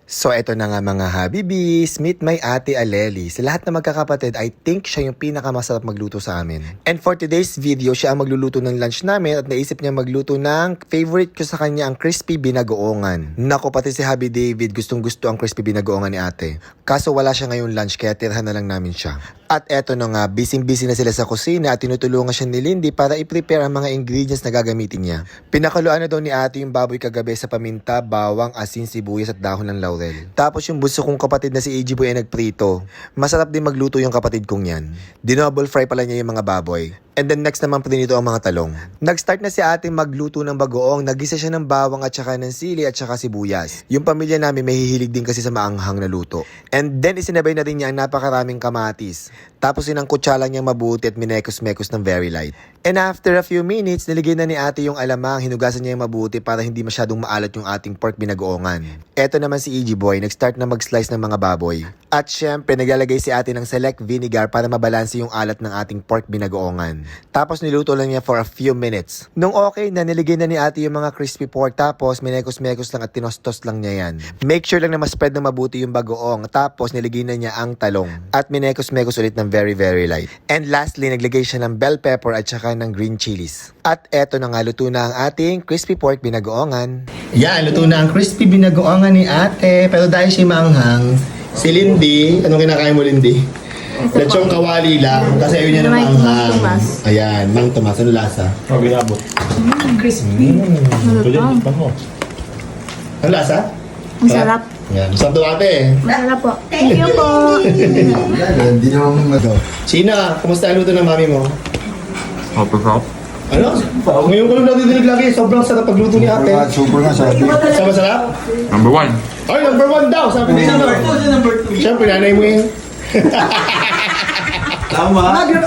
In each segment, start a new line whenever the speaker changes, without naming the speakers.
So eto na nga mga Habibis, meet my ate Aleli. Sa lahat na magkakapatid, I think siya yung pinakamasarap magluto sa amin. And for today's video, siya ang magluluto ng lunch namin at naisip niya magluto ng favorite ko sa kanya, ang crispy binagoongan. Nako, pati si Habi David gustong gusto ang crispy binagoongan ni ate. Kaso wala siya ngayong lunch kaya tirhan na lang namin siya. At eto na nga, busy na sila sa kusina at tinutulungan siya ni Lindy para i-prepare ang mga ingredients na gagamitin niya. Pinakaluan na daw ni ate yung baboy kagabi sa paminta, bawang, asin, sibuyas at dahon ng laurel. Tapos yung bunso kong kapatid na si AJ Boy ay nagprito. Masarap din magluto yung kapatid kong yan. Dinoble fry pala niya yung mga baboy. And then next naman pinito ang mga talong. Nag-start na si ate magluto ng bagoong. Nagisa siya ng bawang at saka ng sili at saka sibuyas. Yung pamilya namin may hihilig din kasi sa maanghang na luto. And then isinabay na rin niya ang napakaraming kamatis. Tapos sinangkutsa lang niyang mabuti at minekos-mekos ng very light. And after a few minutes, niligay na ni ate yung alamang. Hinugasan niya yung mabuti para hindi masyadong maalat yung ating pork binagoongan. Eto naman si AJ Boy, nag-start na mag-slice ng mga baboy. At syempre, naglalagay si ate ng select vinegar para mabalanse yung alat ng ating pork binagoongan. Tapos niluto lang niya for a few minutes. Nung okay na, niligay na ni ate yung mga crispy pork. Tapos minekos-mekos lang at tinostos lang niya yan. Make sure lang na ma-spread ng mabuti yung bagoong. Tapos niligay na niya ang talong. At minekos-mekos ulit ng very light. And lastly, naglagay siya ng bell pepper at saka ng green chilies. At eto na nga, luto na ang ating crispy pork binagoongan.
Yan, luto na ang crispy binagoongan ni ate. Pero dahil siya maanghang, si Lindy, anong kinakain mo, Lindy? Lechong kawali lang, kasi ayaw niya ng maanghang. Ayan, Mang Tomas, ano lasa?
Abot.
Crispy.
Ano lasa?
Masarap.
Yan, masarap daw ate.
Masarap po. Thank you po.
Hindi naman
Sina, kumusta ang luto ng mami mo?
Sarap.
Ano? Ngayon ko lang nadidinig lagi, sobrang sarap pagluto ni ate.
Super nga sabi.
Sa masarap?
Number 1.
Ay, number 1 daw, sabi ni Sino. Siyempre, nanay mo yun.
Tama.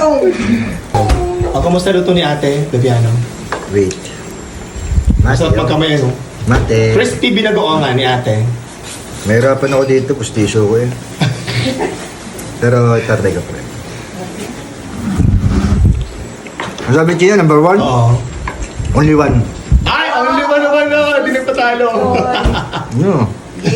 O, kumusta luto ni ate, Daviano?
Wait.
Masarap magkamay, ano?
Mate.
Crispy binagoongan ni ate.
Mahirapan ako dito, pustisyo ko eh. Pero itatry ka pa rin. Ang sabi niya, number 1?
Oo.
Only one.
Ay, only one naman na! Hindi nagpatalo.
No.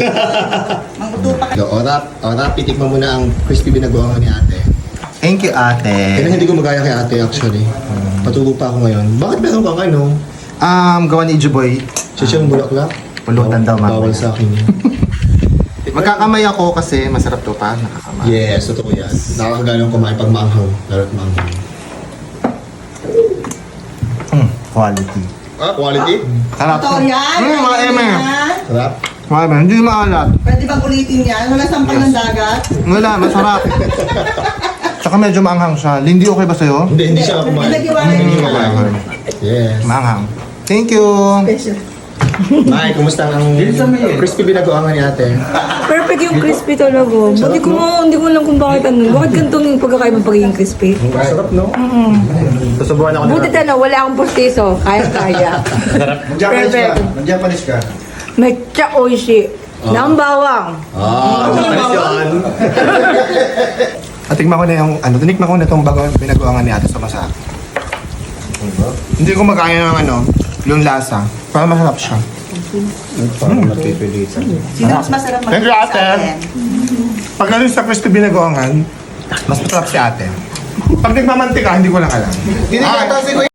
Orap, titikman mo na ang crispy binagoongan ni ate.
Thank you, ate.
Kailan hindi ko magaya kay ate actually. Patulog pa ako ngayon. Bakit meron kang ano?
Gawa ni AJ Boy.
Chichong bulaklak?
Pulutan daw, mamaya.
Bawal sa akin yun.
Magkakamay ako kasi masarap to pa. Nakakamay.
Yes, totoo yan. Nakakaganong kumain pag maanghang. Lalo't maanghang.
Quality.
Ah, quality?
Sarap.
Totoo yan?
Mga eme.
Sarap?
Mga hindi maalat.
Pwede bang ulitin yan? Wala sampal ng dagat?
Wala, masarap. Tsaka medyo maanghang siya. Lindy, okay ba sa'yo?
Hindi siya kumain.
Hindi nag-iwalay.
Yes.
Maanghang. Thank you.
May, kumusta ang crispy binagoongan ni ate?
Perfect yung crispy talaga. Hindi ko alam kung bakit Bakit ganito yung pagkakaiba pagiging crispy?
Sarap, no? Susubukan ako na.
Buti na wala akong postiso. Kaya. Perfect.
Mag-Japanese ka.
Mecha oishi. Ng bawang.
Ah, Japanese yun.
At tikman ko na yung, tinikman ko na itong bago binagoangan ni ate sa masa. Hindi ko magkaya ng yung lasa. Para masarap siya.
Sino mas masarap
Thank you,
mag-
ate.
sa atin?
Pag sa crispy binagoangan, mas masarap si ate. Pag nagmamantika, hindi ko lang alam.